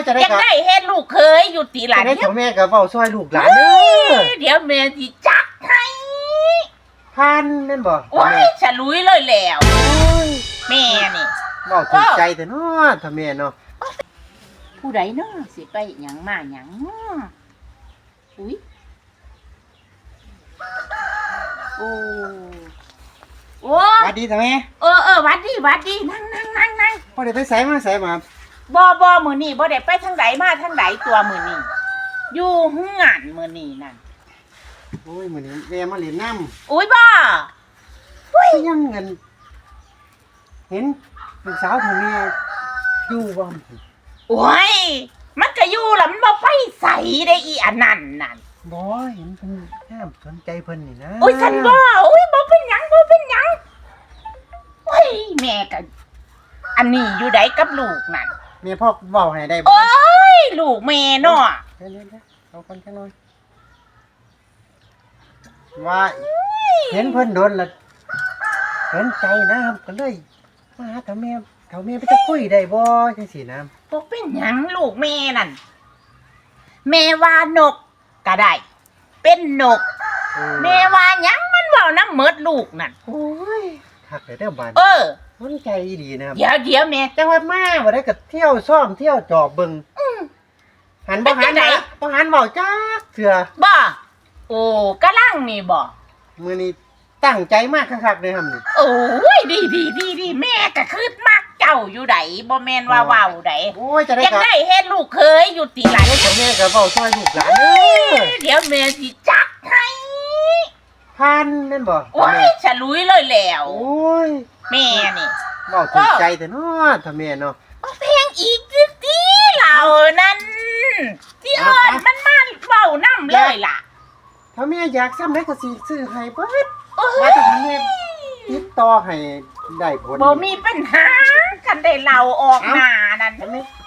จะได้เฮ็ดลูกเคยอยู่ตีหลานจะได้ของแม่กับเว้าซอยลูกหลานเด้อเดี๋ยวแม่สิจัดให้พันแม่นบ่โอ้ยฉลุยเลยแล้วแม่นี่เว้าถึงใจแต่เนาะถ้าแม่เนาะผู้ใดเนาะสิไปหยังมาหยังอุ้ยโอ้หวัดดีท่าแม่หวัดดีนั่งบ่ได้ไปไสมาไสมาบ่มื้อนี้บ่ได้ไปทางใดมาทางใดตัวมื้อนี้อยู่เฮือนมื้อนี้นั่นโอ้ยมื้อนี้แม่มาเล่นน้ำอุ้ยบ่ยังเงินเห็นลูกสาวท่าแม่อยู่บ่โอ้ยมันก็อยู่ล่ะมันบ่ไปไสได้อีอันนั้นนั่นบ่เห็นเพิ่นแอบสนใจเพิ่นนี่นะโอ้ยฉันบ่บ่เป็นหยังโอ้ยแม่ก็อันนี้อยู่ไดกับลูกนั่นแม่พ่อเว้าให้ได้บ่โอ้ยลูกแม่เนาะเดี๋ยวเอาคนจังหน่อยว่าเห็นเพิ่นโดนละเห็นใจนะครับก็เลยมาหาถ้าแม่ไปจะคุยได้บ่จังซี่นะบ่เป็นหยังลูกแม่นั่นแม่ว่านกก็ได้เป็นนกแม่ว่าหยังมันเว้านำหมดลูกนั่นโอ้ยคักเด้อบ้านสนใจดีนะครับเดี๋ยวแม่จังว่ามาบ่ได้ก็เที่ยวซ่อมเที่ยวจอบเบิ่งหันบ่หันเว้าจักเทื่อบ่โอ้กำลังนี่บ่มื้อนี้ตั้งใจมากคักๆเลยครับนี่โอ้ยดีแม่ก็คือมักเจ้าอยู่ไดบ่แม่นว่าเว้าไดโอ้ยจะได้เฮ็ดลูกเคยอยู่ติหลานแม่ก็เว้าซอยลูกหลานเด้อเดี๋ยวแม่สิจัดให้พันแม่นบ่โอ้ยฉลุยเลยแล้วโอ้ยแม่นี่เว้าถึงใจแต่เนาะถ้าแม่เนาะเพลงอีกติเรานั่นที่เอิ้นมันมาเว้านำเลยล่ะถ้าแม่อยากซ้ำได้ก็สิซื้อให้เบิดว่าแต่แม่ติดต่อให้ได้ผลบ่มีปัญหาคันได้เราออกมานั่น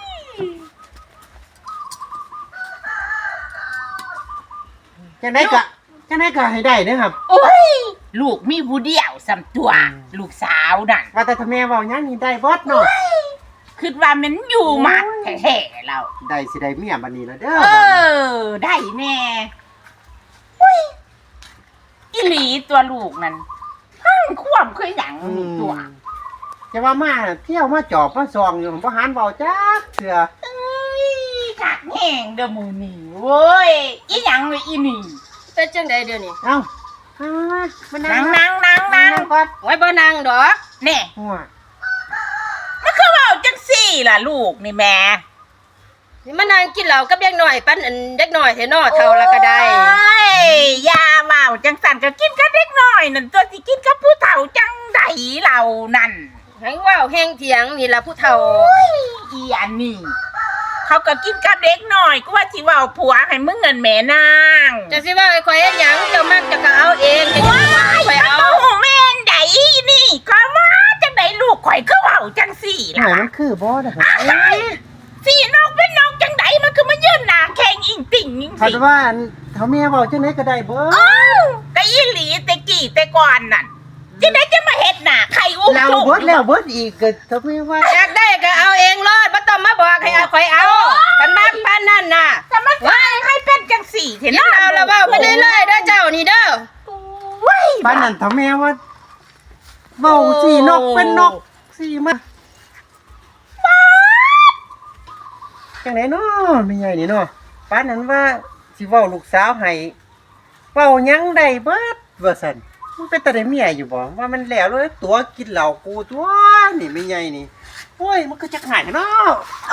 จังได๋ก็ให้ได้เด้อครับโอ้ยลูกมีผู้เดียวสำตัวลูกสาวนั่นว่าแต่ถ้าแม่เว้าหยังนี่ได้เบิดเนาะคิดว่ามันอยู่มัดแท้ๆแล้วได้สิได้เมียบัดนี้ล่ะเด้อได้แน่อุ้ยอีหลีตัวลูกนั่นความคือหยังตัวจะว่ามาเที่ยวมาจอบมาซองอยู่บ่หันเว้าจักเทื่อคักแห้งเด้อมื้อนี้เว้ยอีหยังเลยอีนี่เป็นจังได๋เดี๋ยวนี้เอ้ามานั่งก่อนไว้บ่นั่งดอกแน่มันคือเว้าจังซี่ล่ะลูกนี่แม่นี่มานั่งกินเหล้ากับเด็กน้อยปั้นอันเด็กน้อยแท้น้อเฒ่าละก็ได้อย่าเว้าจังสั่นก็กินกับเด็กน้อยนั่นตัวสิกินกับผู้เฒ่าจังได๋เหล่านั่นให้เว้าแฮงเถียงนี่ล่ะผู้เฒ่าอีอันนี้เขาก็กินกับเด็กน้อยก็ว่าสิเว้าผัวให้มึงเงินแม่นางจะสิว่าให้ข่อยเฮ็ดหยังเจ้ามักจะก็เอาเองจะว่าข่อยเอาแม่นไดนี่ก็ว่าจังได๋ลูกข่อยคือเว้าจังซี่ล่ะมันคือบ่ล่ะสินกเป็นนกจังได๋มันคือมายืนหน้าแข็งอิงติ่งจังซี่คันว่าเฒ่าแม่เว้าจังได๋ก็ได้เบิดก็อีหลีแต่กี้แต่ก่อนนั่นจังได๋จะมาเฮ็ดหน้าไข่อุ้มแล้วเบิดแล้วเบิดอีกก็เฒ่าแม่ว่าอยากได้ก็เอาเองรอดบ่ต้องมาบอกให้ข่อยเอาคันมักปานนั้นน่ะแต่มันให้เป็นจังซี่เห็นเนาะเอาแล้วเว้าไปเรื่อยๆเด้อเจ้านี่เด้อปานนั้นเฒ่าแม่ว่าเว้าสินกเป็นนกสิมาจังได๋เนาะแม่ใหญ่นี่เนาะปานนั้นว่าสิเว้าลูกสาวให้เว้าหยังได้เบิดว่าซั่นมันเป็นตาได้เมียอยู่บ่ว่ามันแล้วเลยตัวกินเหล้ากูตัวนี่แม่ใหญ่นี่โอ้ยมันก็จักหายเนาะ